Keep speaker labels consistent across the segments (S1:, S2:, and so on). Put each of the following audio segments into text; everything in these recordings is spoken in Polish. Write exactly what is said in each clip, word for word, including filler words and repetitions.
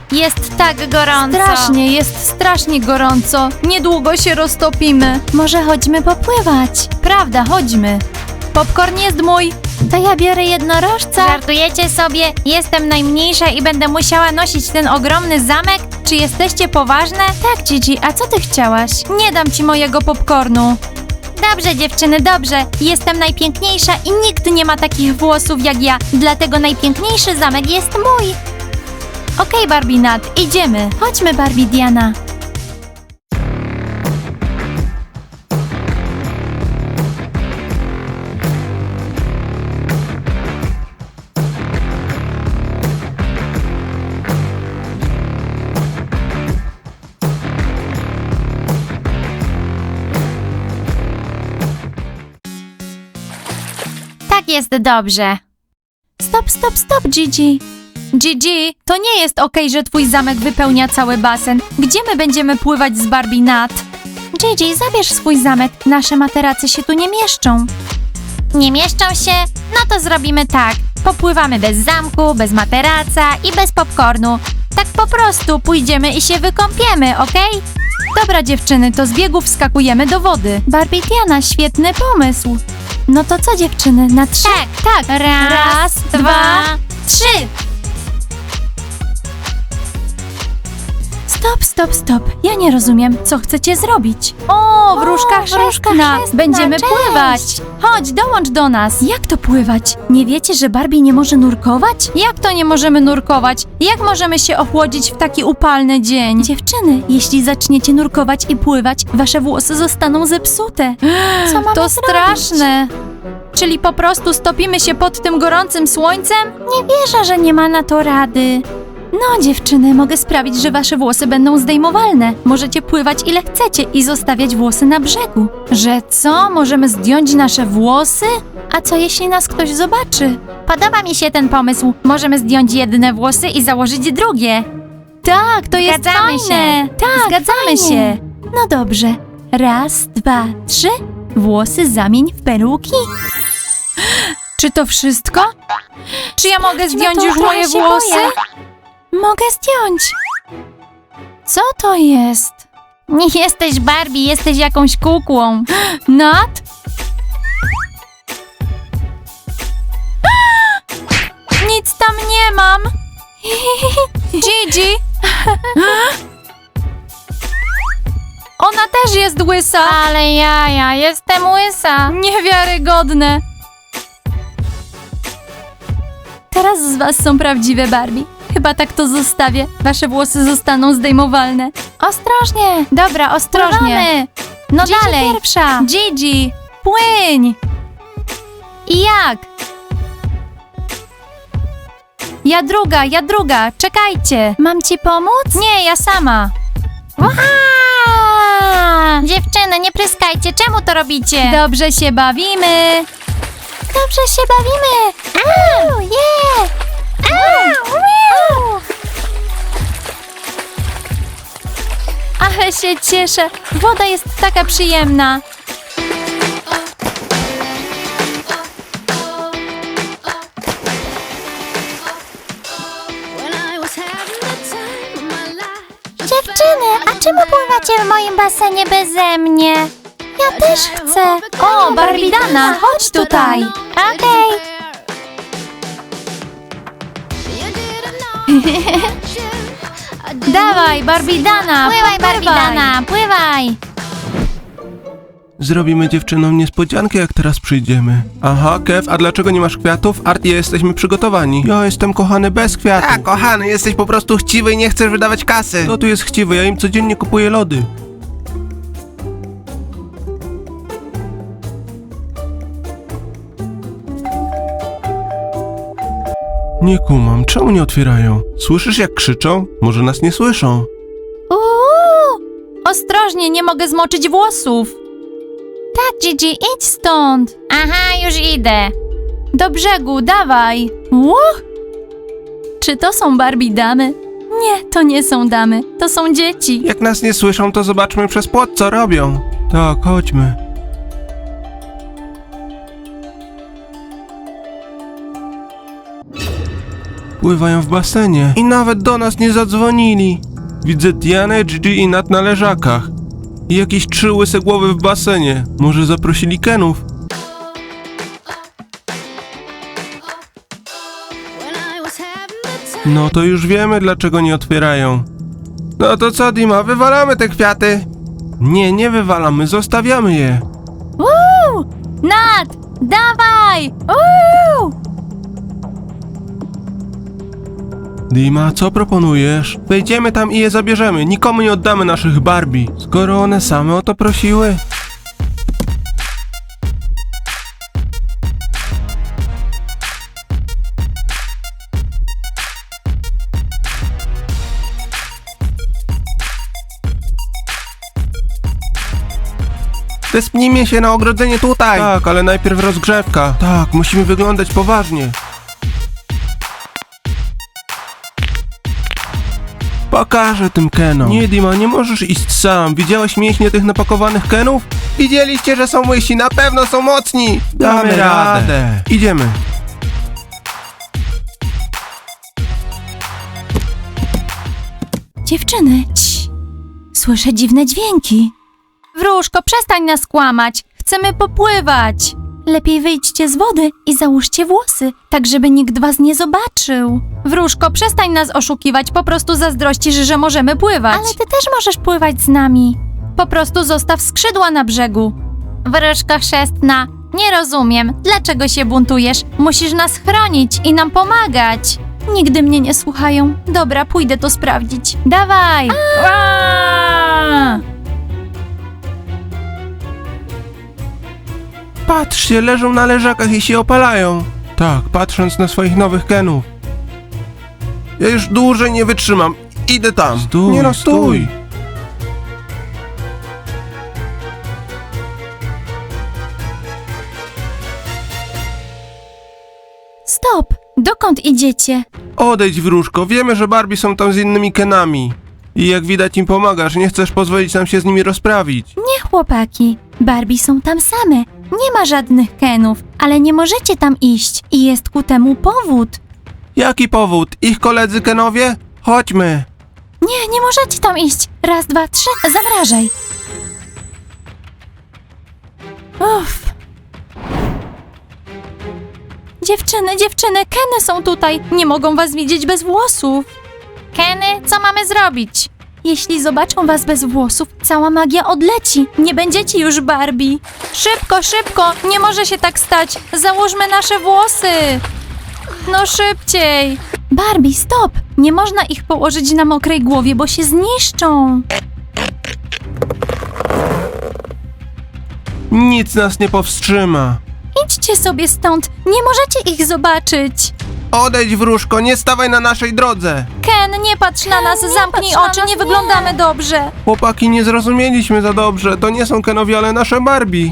S1: Jest tak gorąco.
S2: Strasznie, jest strasznie gorąco. Niedługo się roztopimy. Może chodźmy popływać. Prawda, chodźmy. Popcorn jest mój. To ja biorę jednorożca.
S1: Żartujecie sobie? Jestem najmniejsza i będę musiała nosić ten ogromny zamek? Czy jesteście poważne?
S2: Tak, Gigi, a co ty chciałaś? Nie dam ci mojego popcornu.
S1: Dobrze, dziewczyny, dobrze. Jestem najpiękniejsza i nikt nie ma takich włosów jak ja. Dlatego najpiękniejszy zamek jest mój.
S2: Okej, Barbie Nat, idziemy. Chodźmy, Barbie Diana.
S1: Tak jest dobrze.
S2: Stop, stop, stop, Gigi. Gigi, to nie jest okej, że twój zamek wypełnia cały basen. Gdzie my będziemy pływać z Barbie Nat? Gigi, zabierz swój zamek. Nasze materace się tu nie mieszczą.
S1: Nie mieszczą się? No to zrobimy tak. Popływamy bez zamku, bez materaca i bez popcornu. Tak po prostu pójdziemy i się wykąpiemy, okej?
S2: Dobra, dziewczyny, to z biegów wskakujemy do wody. Barbie Diana, świetny pomysł. No to co, dziewczyny, na trzy?
S1: Tak, tak. Raz,
S2: Raz,
S1: dwa,
S2: dwa,
S1: trzy.
S2: Stop, stop, stop. Ja nie rozumiem, co chcecie zrobić. O, wróżka
S1: wróżka
S2: chrzestna.
S1: chrzestna,
S2: Będziemy
S1: cześć.
S2: pływać. Chodź, dołącz do nas. Jak to pływać? Nie wiecie, że Barbie nie może nurkować? Jak to nie możemy nurkować? Jak możemy się ochłodzić w taki upalny dzień? Dziewczyny, jeśli zaczniecie nurkować i pływać, wasze włosy zostaną zepsute.
S1: Co mamy
S2: To
S1: zrobić?
S2: straszne. Czyli po prostu stopimy się pod tym gorącym słońcem? Nie wierzę, że nie ma na to rady. No, dziewczyny, mogę sprawić, że wasze włosy będą zdejmowalne. Możecie pływać ile chcecie i zostawiać włosy na brzegu. Że co? Możemy zdjąć nasze włosy? A co jeśli nas ktoś zobaczy?
S1: Podoba mi się ten pomysł. Możemy zdjąć jedne włosy i założyć drugie.
S2: Tak, to jest
S1: Zgadzamy
S2: fajne.
S1: się.
S2: Tak, zgadzamy
S1: fajnie.
S2: się. No dobrze. Raz, dwa, trzy. Włosy zamień w peruki. Czy to wszystko? Czy ja mogę
S1: Sprawdźmy
S2: zdjąć
S1: to,
S2: już
S1: trochę
S2: moje
S1: się
S2: włosy?
S1: boję.
S2: Mogę zdjąć. Co to jest?
S1: Nie jesteś Barbie, jesteś jakąś kukłą.
S2: Nat? Nic tam nie mam. Gigi? Ona też jest łysa.
S1: Ale ja, ja jestem łysa.
S2: Niewiarygodne. Teraz z was są prawdziwe Barbie. Chyba tak to zostawię. Wasze włosy zostaną zdejmowalne.
S1: Ostrożnie.
S2: Dobra, ostrożnie.
S1: Pływamy.
S2: No
S1: Gigi
S2: dalej.
S1: pierwsza.
S2: Gigi, płyń. I jak? Ja druga, ja druga. Czekajcie. Mam ci pomóc? Nie, ja sama.
S1: Wow! Dziewczyny, nie pryskajcie. Czemu to robicie?
S2: Dobrze się bawimy.
S1: Dobrze się bawimy. Au, yeah. Au, wow.
S2: Ale się cieszę. Woda jest taka przyjemna.
S1: Dziewczyny, a czemu pływacie w moim basenie beze mnie? Ja też chcę.
S2: O, Barbidana, chodź tutaj.
S1: Okej.
S2: Dawaj, Barbidana,
S1: Pływaj, Barbidana, pływaj.
S3: Zrobimy dziewczynom niespodziankę, jak teraz przyjdziemy. Aha, Kev, a dlaczego nie masz kwiatów? Art i ja jesteśmy przygotowani. Ja jestem kochany bez kwiatów.
S4: Tak, kochany, jesteś po prostu chciwy i nie chcesz wydawać kasy.
S3: Kto tu jest chciwy? Ja im codziennie kupuję lody. Nie kumam, czemu nie otwierają? Słyszysz, jak krzyczą? Może nas nie słyszą?
S2: Uuu, ostrożnie, nie mogę zmoczyć włosów. Tak, Gigi, idź stąd.
S1: Aha, już idę.
S2: Do brzegu, dawaj. Ło! Czy to są Barbie damy? Nie, to nie są damy, to są dzieci.
S3: Jak nas nie słyszą, to zobaczmy przez płot, co robią. Tak, chodźmy. Pływają w basenie i nawet do nas nie zadzwonili. Widzę Dianę, Gigi i Nat na leżakach. I jakieś trzy łyse głowy w basenie. Może zaprosili Kenów? No to już wiemy, dlaczego nie otwierają. No to co, Dima, wywalamy te kwiaty? Nie, nie wywalamy, zostawiamy je.
S2: Uuu! Nat! Dawaj! Uuu!
S3: Dima, co proponujesz? Wejdziemy tam i je zabierzemy. Nikomu nie oddamy naszych Barbie, skoro one same o to prosiły.
S4: Wespnijmy się na ogrodzenie tutaj.
S3: Tak, ale najpierw rozgrzewka. Tak, musimy wyglądać poważnie. Pokażę tym Kenom. Nie, Dima, nie możesz iść sam. Widziałeś mięśnie tych napakowanych Kenów?
S4: Widzieliście, że są łysi, na pewno są mocni.
S3: Damy radę. Idziemy.
S2: Dziewczyny, cii. Słyszę dziwne dźwięki. Wróżko, przestań nas kłamać. Chcemy popływać. Lepiej wyjdźcie z wody i załóżcie włosy, tak żeby nikt was nie zobaczył. Wróżko, przestań nas oszukiwać, po prostu zazdrościsz, że możemy pływać. Ale ty też możesz pływać z nami. Po prostu zostaw skrzydła na brzegu. Wróżko chrzestna, nie rozumiem, dlaczego się buntujesz? Musisz nas chronić i nam pomagać. Nigdy mnie nie słuchają. Dobra, pójdę to sprawdzić. Dawaj! Aaaa!
S3: Patrzcie, leżą na leżakach i się opalają. Tak, patrząc na swoich nowych Kenów.
S4: Ja już dłużej nie wytrzymam. Idę tam.
S3: Stój,
S4: nie no,
S3: stój.
S2: Stop! Dokąd idziecie?
S3: Odejdź, wróżko, wiemy, że Barbie są tam z innymi Kenami. I jak widać im pomagasz, nie chcesz pozwolić nam się z nimi rozprawić.
S2: Nie, chłopaki. Barbie są tam same. Nie ma żadnych Kenów, ale nie możecie tam iść i jest ku temu powód.
S3: Jaki powód? Ich koledzy Kenowie? Chodźmy.
S2: Nie, nie możecie tam iść. Raz, dwa, trzy, zamrażaj. Uff. Dziewczyny, dziewczyny, Keny są tutaj. Nie mogą was widzieć bez włosów. Keny, co mamy zrobić? Jeśli zobaczą was bez włosów, cała magia odleci. Nie będziecie już Barbie. Szybko, szybko, nie może się tak stać. Załóżmy nasze włosy. No szybciej. Barbie, stop. Nie można ich położyć na mokrej głowie, bo się zniszczą.
S3: Nic nas nie powstrzyma.
S2: Idźcie sobie stąd. Nie możecie ich zobaczyć.
S4: Odejdź, wróżko, nie stawaj na naszej drodze.
S2: Ken, nie patrz na nas,
S1: nie
S2: zamknij
S1: patrz na
S2: oczy,
S1: nas,
S2: nie
S1: nie.
S2: wyglądamy dobrze.
S3: Chłopaki, nie zrozumieliśmy za dobrze. To nie są Kenowie, ale nasze Barbie.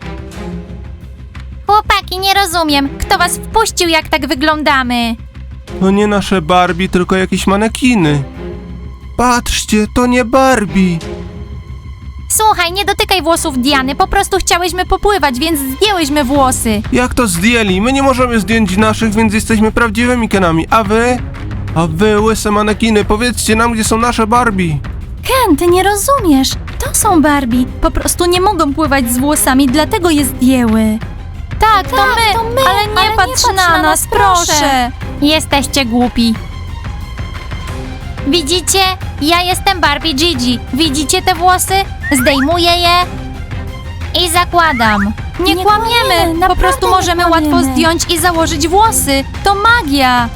S1: Chłopaki, nie rozumiem. Kto was wpuścił, jak tak wyglądamy?
S3: To nie nasze Barbie, tylko jakieś manekiny. Patrzcie, to nie Barbie.
S1: Słuchaj, nie dotykaj włosów Diany, po prostu chciałyśmy popływać, więc zdjęłyśmy włosy.
S3: Jak to zdjęli? My nie możemy zdjąć naszych, więc jesteśmy prawdziwymi Kenami. A wy? A wy, łyse manekiny, powiedzcie nam, gdzie są nasze Barbie.
S2: Ken, ty nie rozumiesz. To są Barbie. Po prostu nie mogą pływać z włosami, dlatego je zdjęły. Tak, to, my,
S1: to my,
S2: ale nie
S1: ale nie
S2: patrz
S1: patrz
S2: na,
S1: na
S2: nas,
S1: nas,
S2: proszę.
S1: proszę. Jesteście głupi. Widzicie? Ja jestem Barbie Gigi. Widzicie te włosy? Zdejmuję je i zakładam.
S2: Nie, Nie kłamiemy, kłamiemy, po prostu naprawdę nie możemy łatwo kłamiemy. zdjąć i założyć włosy. To magia.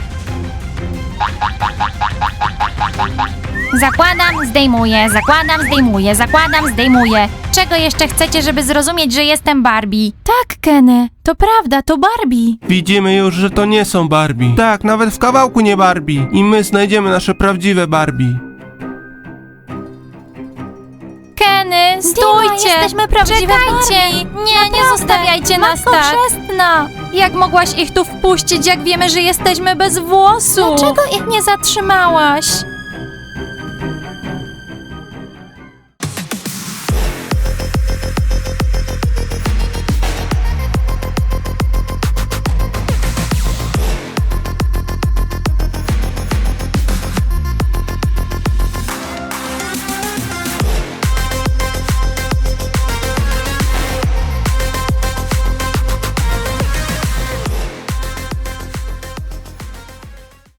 S1: Zakładam, zdejmuję, zakładam, zdejmuję, zakładam, zdejmuję. Czego jeszcze chcecie, żeby zrozumieć, że jestem Barbie?
S2: Tak, Kenny, to prawda, to Barbie.
S3: Widzimy już, że to nie są Barbie. Tak, nawet w kawałku nie Barbie. I my znajdziemy nasze prawdziwe Barbie.
S2: Kenny, stójcie!
S1: jesteśmy prawdziwe
S2: Czekajcie!
S1: Barbie.
S2: Nie, nie
S1: Naprawdę.
S2: zostawiajcie nas
S1: Matko
S2: tak! Chrzestna! Jak mogłaś ich tu wpuścić, jak wiemy, że jesteśmy bez włosów?
S1: Dlaczego
S2: ich nie zatrzymałaś?